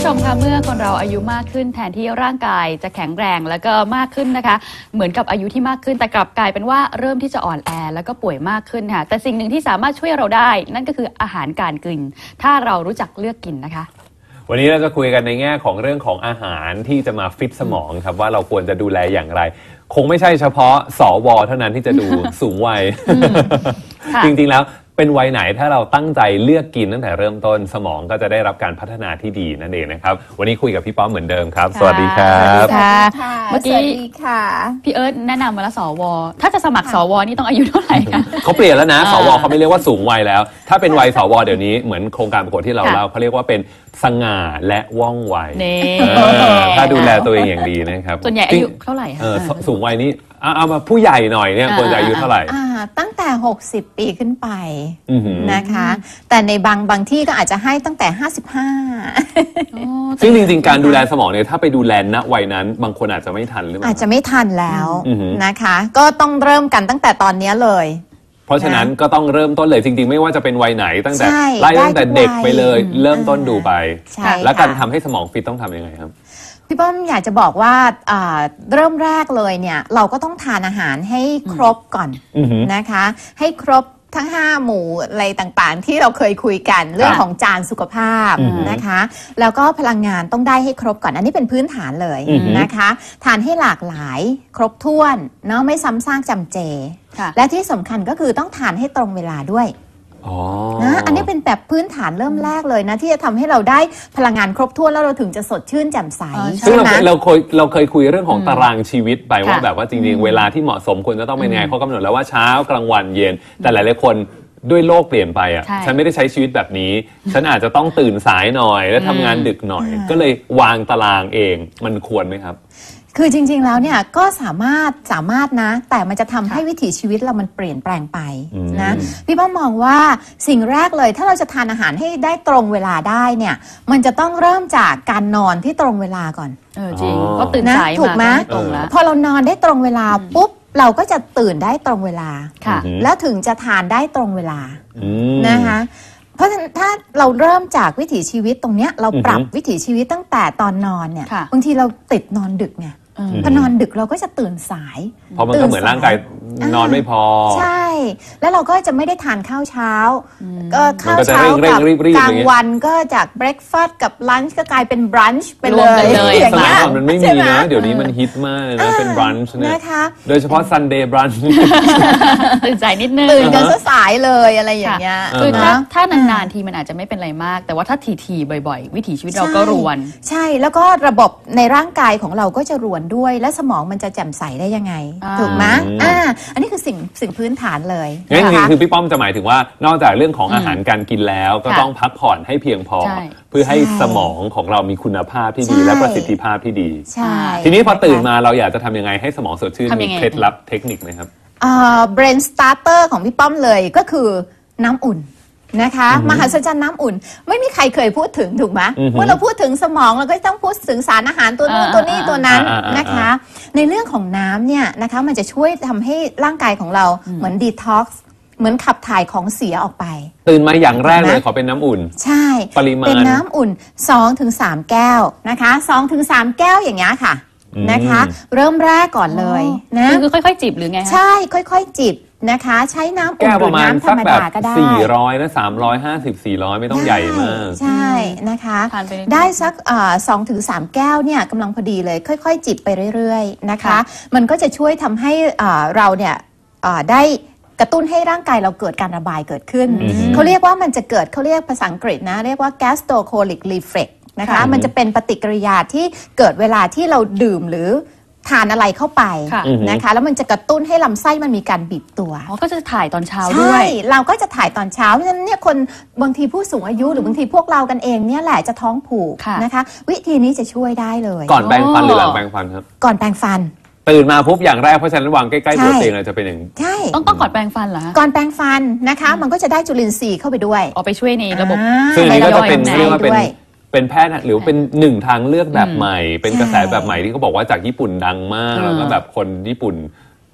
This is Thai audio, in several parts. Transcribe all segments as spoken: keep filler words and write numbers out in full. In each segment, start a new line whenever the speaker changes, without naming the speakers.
ผู้ชมคะเมื่อคนเราอายุมากขึ้นแทนที่ร่างกายจะแข็งแรงแล้วก็มากขึ้นนะคะเหมือนกับอายุที่มากขึ้นแต่กลับกลายเป็นว่าเริ่มที่จะอ่อนแอแล้วก็ป่วยมากขึ้นค่ะแต่สิ่งหนึ่งที่สามารถช่วยเราได้นั่นก็คืออาหารการกินถ้าเรารู้จักเลือกกินนะคะ
วันนี้เราจะคุยกันในแง่ของเรื่องของอาหารที่จะมาฟิตสมองครับว่าเราควรจะดูแลอย่างไรคงไม่ใช่เฉพาะสวเท่านั้นที่จะดู สูงวัย จริงๆแล้วเป็นวัยไหนถ้าเราตั้งใจเลือกกินตั้งแต่เริ่มต้นสมองก็จะได้รับการพัฒนาที่ดีนั่นเองนะครับวันนี้คุยกับพี่ป้อมเหมือนเดิมครับสวัสดีครับ
เมื่อกี้พี่เอิร์ธแนะนำมาแล้วสวถ้าจะสมัครสวนี่ต้องอายุเท่าไหร่คะ
เขาเปลี่ยนแล้วนะสวเขาไม่เรียกว่าสูงวัยแล้วถ้าเป็นวัยสวเดี๋ยวนี้เหมือนโครงการประกวดที่เราเล่าเขาเรียกว่าเป็นสง่าและว่องไวถ้าดูแลตัวเองอย่างดีนะครับ
ส่วนใหญ่อายุเท่าไหร่คะ
สูงวัยนี้เอามาผู้ใหญ่หน่อยเนี่ยควรจะอายุเท่าไหร่
ตั้งแต่หกสิบปีขึ้นไปนะคะแต่ในบางบางที่ก็อาจจะให้ตั้งแต่ห้าสิบห้า
ซึ่งจริงๆการดูแลสมองเนี่ยถ้าไปดูแลณวัยนั้นบางคนอาจจะไม่ทันหรือเปล่า
อาจจะไม่ทันแล้วนะคะก็ต้องเริ่มกันตั้งแต่ตอนนี้เลย
เพราะฉะนั้นก็ต้องเริ่มต้นเลยจริงๆไม่ว่าจะเป็นวัยไหนตั้งแต่ไล่ตั้งแต่เด็กไปเลยเริ่มต้นดูไปแล้วการทำให้สมองฟิตต้องทำยังไงครับ
พี่ป้อมอยากจะบอกว่าเริ่มแรกเลยเนี่ยเราก็ต้องทานอาหารให้ครบก่อนนะคะให้ครบทั้งห้าหมู่อะไรต่างๆที่เราเคยคุยกันเรื่องของจานสุขภาพนะคะแล้วก็พลังงานต้องได้ให้ครบก่อนอันนี้เป็นพื้นฐานเลยนะคะทานให้หลากหลายครบถ้วนเนาะไม่ซ้ำซากจำเจและที่สำคัญก็คือต้องทานให้ตรงเวลาด้วยนะอันนี้เป็นแบบพื้นฐานเริ่มแรกเลยนะที่จะทำให้เราได้พลังงานครบถ้วนแล้วเราถึงจะสดชื่นแจ่มใส
ซึ่งเราเราเคยเราเคยคุยเรื่องของตารางชีวิตไปว่าแบบว่าจริงๆเวลาที่เหมาะสมควรจะต้องเป็นไงเขากำหนดแล้วว่าเช้ากลางวันเย็นแต่หลายๆคนด้วยโลกเปลี่ยนไปอ่ะฉันไม่ได้ใช้ชีวิตแบบนี้ฉันอาจจะต้องตื่นสายหน่อยและทำงานดึกหน่อยก็เลยวางตารางเองมันควรไหมครับ
คือจริงๆแล้วเนี่ยก็สามารถสามารถนะแต่มันจะทำให้วิถีชีวิตเรามันเปลี่ยนแปลงไปนะพี่ป้อมมองว่าสิ่งแรกเลยถ้าเราจะทานอาหารให้ได้ตรงเวลาได้เนี่ยมันจะต้องเริ่มจากการนอนที่ตรงเวลาก่อน
เออจริงก็ตื่นสาย
ถูกไหมพอเรานอนได้ตรงเวลาปุ๊บเราก็จะตื่นได้ตรงเวลาแล้วถึงจะทานได้ตรงเวลานะคะเพราะฉะนั้นถ้าเราเริ่มจากวิถีชีวิตตรงเนี้ยเราปรับวิถีชีวิตตั้งแต่ตอนนอนเนี่ยบางทีเราติดนอนดึกไงพอนอนดึกเราก็จะตื่นสาย
เพราะมันก็เหมือนร่างกายนอนไม่พอ
ใช่แล้วเราก็จะไม่ได้ทานข้าวเช้าก็ข้าวเช้ากับกลางวันก็จากเบรคฟาสต์กับลันช์ก็กลายเป็นบรันช์ไปเลย
อย่างเงี้ยสมัยก่อนมันไม่มีนะเดี๋ยวนี้มันฮิตมากนะเป็นบรันช์เนี่ยโดยเฉพาะซันเดย์บรันช์
ตื่นสายนิดนึง
ตื่นกันสายเลยอะไรอย่างเงี้ย
คือถ้าถ้านานๆทีมันอาจจะไม่เป็นไรมากแต่ว่าถ้าทีๆบ่อยๆวิถีชีวิตเราก็รวน
ใช่แล้วก็ระบบในร่างกายของเราก็จะรวนด้วยและสมองมันจะแจ่มใสได้ยังไงถูกไหมอ่าอันนี้คือสิ่งสิ่งพื้นฐานเลย
งั้นจริงๆคือพี่ป้อมจะหมายถึงว่านอกจากเรื่องของอาหารการกินแล้วก็ต้องพักผ่อนให้เพียงพอเพื่อให้สมองของเรามีคุณภาพที่ดีและประสิทธิภาพที่ดีทีนี้พอตื่นมาเราอยากจะทำยังไงให้สมองสดชื่นมีเคล็ดลับเทคนิคไหมครับ
อ่า brain starter ของพี่ป้อมเลยก็คือน้ำอุ่นนะคะมหัศจรรย์น้ำอุ่นไม่มีใครเคยพูดถึงถูกไหมเมื่อเราพูดถึงสมองเราก็ต้องพูดถึงสารอาหารตัวนู้นตัวนี้ตัวนั้นนะคะในเรื่องของน้ำเนี่ยนะคะมันจะช่วยทำให้ร่างกายของเราเหมือนดีท็อกซ์เหมือนขับถ่ายของเสียออกไป
ตื่นมาอย่างแรกเลยขอเป็นน้ำอุ่น
ใช่
ปริมาณ
เป็นน้ำอุ่น สองถึงสาม แก้วนะคะ สองถึงสาม แก้วอย่างเงี้ยค่ะนะคะเริ่มแรกก่อนเลยนะ
คือค่อยๆจิบหรือไง
ใช่ค่อยๆจิบนะคะใช้น้ำอุ่นหรือน้ำธรรมดาก็ได้
สี่ร้อยนะสามร้อยห้าสิบ สี่ร้อยไม่ต้องใหญ่มาก
ใช่นะคะได้สักสองถึงสามแก้วเนี่ยกำลังพอดีเลยค่อยๆจิบไปเรื่อยๆนะคะมันก็จะช่วยทำให้เราเนี่ยได้กระตุ้นให้ร่างกายเราเกิดการระบายเกิดขึ้นเขาเรียกว่ามันจะเกิดเขาเรียกภาษาอังกฤษนะเรียกว่า gastrocolic reflex นะคะมันจะเป็นปฏิกิริยาที่เกิดเวลาที่เราดื่มหรือทานอะไรเข้าไปนะคะแล้วมันจะกระตุ้นให้ลำไส้มันมีการบีบตัว
อ๋อก็จะถ่ายตอนเช้าด้วย
ใช่เราก็จะถ่ายตอนเช้าเพราะฉะนั้นเนี่ยคนบางทีผู้สูงอายุหรือบางทีพวกเรากันเองเนี่ยแหละจะท้องผูกนะคะวิธีนี้จะช่วยได้เลย
ก่อนแปรงฟันหรือหลังแปรงฟันครับ
ก่อนแปรงฟัน
ตื่นมาปุ๊บอย่างแรกเพราะฉะนั้นวางใกล้ๆตัวเองเลยจะเป็นอย่าง
ใช่
ต้องต้องก่อนแปรงฟันเหรอ
ก่อนแปรงฟันนะคะมันก็จะได้จุลินทรีย์เข้าไปด้วย
เอาไปช่วยในระบบ
ซึ่งนี้ก็จะเป็นเรียกว่าเป็นเป็นแพทย์หรือเป็นหนึ่งทางเลือกแบบใหม่เป็นกระแสแบบใหม่ที่เขาบอกว่าจากญี่ปุ่นดังมากแล้วก็แบบคนญี่ปุ่น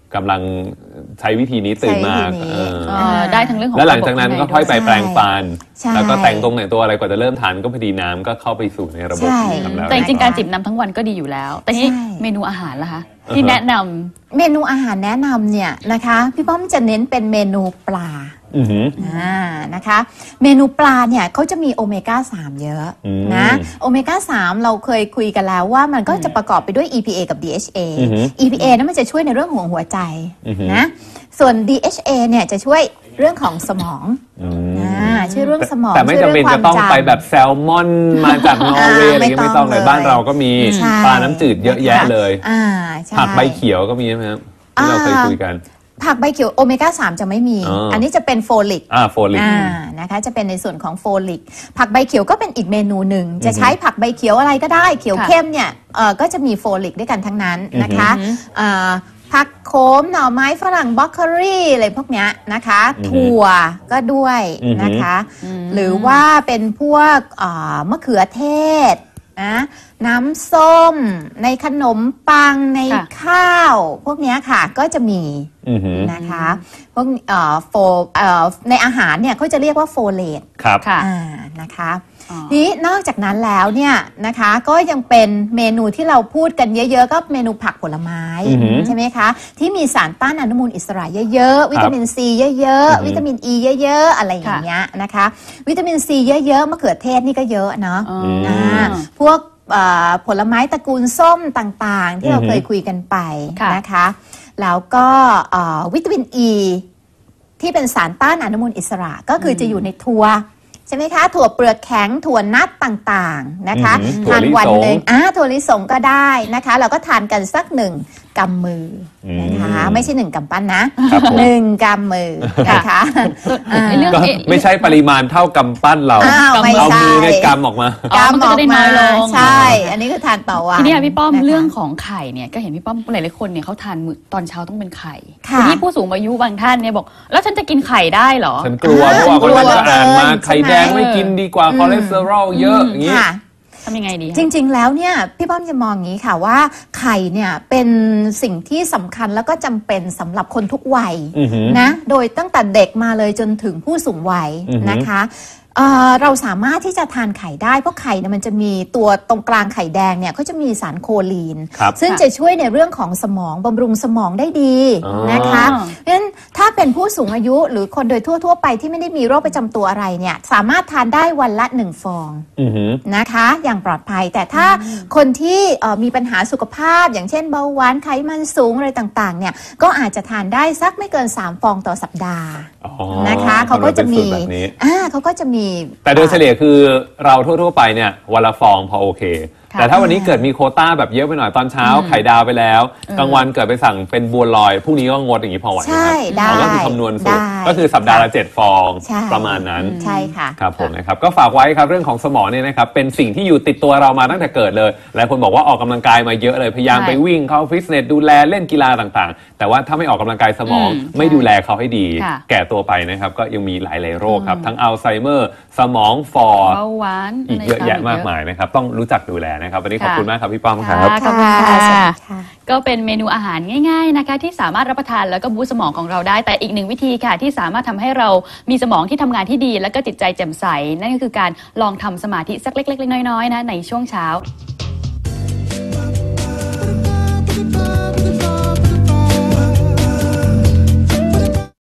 กำลังใช้วิธีนี้ตื่นมา
ใช้วิธีนี้
เออ
เอ่อได้ทั้งเรื่องของ
แล้วหลังจากนั้นก็ค่อยไป
ใช่
แปรงฟัน
ใช่
แล้วก็แต่งตรงแต่งตัวอะไรกว่าจะเริ่มทานก็พอดีน้ำก็เข้าไปสู่ในระบบ
ใช่
ทำแล้ว
แต่จริงๆการจิบน้ำทั้งวันก็ดีอยู่แล้ว แต่นี่
ใช่
เมนูอาหารล่ะคะที่แนะนำ
เมนูอาหารแนะนำเนี่ยนะคะพี่ป้อมจะเน้นเป็นเมนูปลา
อือหือ
อ่านะคะ เมนูปลาเนี่ยเขาจะมีโอเมก้าสาม เยอะ
อืม
นะโอเมก้าสาม เราเคยคุยกันแล้วว่ามันก็จะประกอบไปด้วย อี พี เอ กับ ดี เอช เอ
อือหือ
อี พี เอ นั้นมันจะช่วยในเรื่องของหัวใจ
อือหือ
นะส่วน ดี เอช เอ เนี่ยจะช่วยเรื่องของสมอง
อืม
อ่าช่วยเรื่องสมอง
แต่ไม่
ช่วย
จำเป็น
รื่
จะต้อง
ความ
ไปแบบแซลมอนมาจากนอร์เวย์อะไรอย่างเงี้ย
ไม่
ไม่
ต้
ต้
อ
อง งเลย
เลย
บ้านเราก็มี
ใช่
ปลาน้ำจืดเยอะแยะเลย
อ่าใช่
ผักใบเขียวก็มีใช่ไหมครับที่เราเคยคุยกัน
ผักใบเขียวโอเมก้าสาม จะไม่มี
อ๋ออั
อันนี้จะเป็นโฟลิก
อ่าโฟลิก
อ่านะคะจะเป็นในส่วนของโฟลิกผักใบเขียวก็เป็นอีกเมนูหนึ่งจะใช้ผักใบเขียวอะไรก็ได้เขียว
ค่ะ
เข้มเนี่ยเอ่อก็จะมีโฟลิกด้วยกันทั้งนั้นนะคะ
อือหือ
เอ่อผักโขมหน่อไม้ฝรั่งบล็อกเกอรี่อะไรพวกเนี้ยนะคะ
อือหือ
ถั่วก็ด้วยนะคะ
อืม
หรือว่าเป็นพวกเอ่อมะเขือเทศนะน้ำส้มในขนมปังใน
ค่ะ
ข้าว พวกเนี้ยค่ะก็จะมี
อือหือ
นะคะพวกเอ่อโฟเอ่อในอาหารเนี่ยเขาจะเรียกว่าโฟเลต
ครับ
ค่ะ
อ่านะคะ
อ๋อ
นี้นอกจากนั้นแล้วเนี่ยนะคะก็ยังเป็นเมนูที่เราพูดกันเยอะๆก็เมนูผักผลไม้
อือหือ
ใช่ไหมคะที่มีสารต้านอนุมูลอิสระเยอะๆวิตามินซีเยอะ
อือหือ
ๆวิตามินอีเยอะๆอะไรอย่างเงี้ยนะคะวิตามินซีเยอะๆมะเขือเทศนี่ก็เยอะเนาะ
อ๋อ
ม
อ่าพวกเอ่อผลไม้ตระกูลส้มต่างๆ ที่เรา
อือหือ
เคยคุยกันไป
ค่ะ
นะคะแล้วก็เอ่อวิตามินอ e, ีที่เป็นสารต้านอนุมูลอิสระก็คือจะอยู่ในถั่วใช่ไหมคะถั่วเปลือกแข็งถั่วนัทต่างๆนะคะ
อือหือถั่ว
ทาน
ลิสง
วันหนึ่งอ่าถั่วลิสงก็ได้นะคะเราก็ทานกันสักหนึ่งกำมือนะคะ
อืม
ไม่ใช่หนึ่งกำปั้นนะครับ
ผม
หนึ่งกำมือนะคะอ่า
เรื่อง
ก็
เอ๊ะ
ไม่ใช่ปริมาณเท่ากำปั้นเรา
อ้าวไม่
เอา
ใช่
มือในกำออกมา
อ๋อมันก็จะได้น้อยลง
ใช่ อันนี้คือทานต่อวัน
ทีนี้อะพี่ป้อม
นะคะ
เรื่องของไข่เนี่ยก็เห็นพี่ป้อมหลายๆคนเนี่ยเขาทานมื้อตอนเช้าต้องเป็นไข่
ค่ะ
ทีนี้ผู้สูงอายุบางท่านเนี่ยบอก แล้วฉันจะกินไข่ได้เหรอ
ฉันกลัวเพราะว่า
กลัว
คนจะอ่านมา
เหลือเกิน
ไข่แดงไม่กินดีกว่าคอเลสเตอรอลเยอะอย่างนี้
ค่ะ
ทำยังไงดีคะ
จริงๆ แล้วเนี่ยพี่ป้อมจะมองอย่างนี้ค่ะว่าไข่เนี่ยเป็นสิ่งที่สำคัญแล้วก็จำเป็นสำหรับคนทุกวัย
อือหือ
นะโดยตั้งแต่เด็กมาเลยจนถึงผู้สูงวัย
อือหือ
นะคะเอ่อเราสามารถที่จะทานไข่ได้เพราะไข่เนี่ยมันจะมีตัวตรงกลางไข่แดงเนี่ยก็จะมีสารโคลีน
ครับ
ซึ่งจะช่วยในเรื่องของสมองบำรุงสมองได้ดี
อ๋อ
นะคะเพราะฉะนั้นถ้าเป็นผู้สูงอายุหรือคนโดยทั่ว ๆ ไปที่ไม่ได้มีโรคประจำตัวอะไรเนี่ยสามารถทานได้วันละหนึ่งฟอง
อือหือ
นะคะอย่างปลอดภัยแต่ถ้าคนที่เอ่อมีปัญหาสุขภาพ อย่างเช่นเบาหวานไขมันสูงอะไรต่างๆเนี่ยก็อาจจะทานได้สักไม่เกินสามฟองต่อสัปดาห์
อ๋อ
นะคะเขาก็จะมี
นเป็นสูตรแบบนี้
อ่าเขาก็จะมี
แต่โดยเฉลี่ยคือเราทั่ว ๆ ไปเนี่ยวันละฟองพอโอเค
ค่ะ
แต่ถ้าวันนี้เกิดมีโควต้าแบบเยอะไปหน่อยตอนเช้า
อืม
ไข่ดาวไปแล้ว
เออ
กลางวันเกิดไปสั่งเป็นบัวลอยพรุ่งนี้ก็งดอย่างนี้พอไหวไหม
ใช่
ครับ
ได้
อ๋อก็คือคำนวณสูตร
ได้
ก็คือสัปดาห์ละเจ็ดฟอง
ใช่
ประมาณนั้น
ใช่ค่ะ
ครับผมนะครับก็ฝากไว้ครับเรื่องของสมองเนี่ยนะครับเป็นสิ่งที่อยู่ติดตัวเรามาตั้งแต่เกิดเลยหลายคนบอกว่าออกกำลังกายมาเยอะเลยพยายาม
ใช่
ไปวิ่งเข้าฟิตเนสดูแลเล่นกีฬาต่างๆ แต่ว่าถ้าไม่ออกกำลังกายสมอง
อืม
ไม่ดูแลเขาให้ดี
ค่ะ
แก่ตัวไปนะครับก็ยังมีหลายๆโรคครับทั้งอัลไซเมอร์สมองฟอ
เบาหวาน
อีกเยอะแยะมากมายนะครับต้องรู้จักดูแลนะครับวันนี้ขอบคุณมากครับพี่ป้อมครับ
ค่ะขอบคุณค่ะ
สวัสดีค่ะ
ก็เป็นเมนูอาหารง่ายๆนะคะที่สามารถรับประทานแล้วก็บูสต์สมองของเราได้แต่อีกหนึ่งวิธีค่ะที่สามารถทำให้เรามีสมองที่ทำงานที่ดี แล้วก็จิตใจแจ่มใส นั่นก็คือการลองทำสมาธิสักเล็กๆน้อยๆนะในช่วงเช้า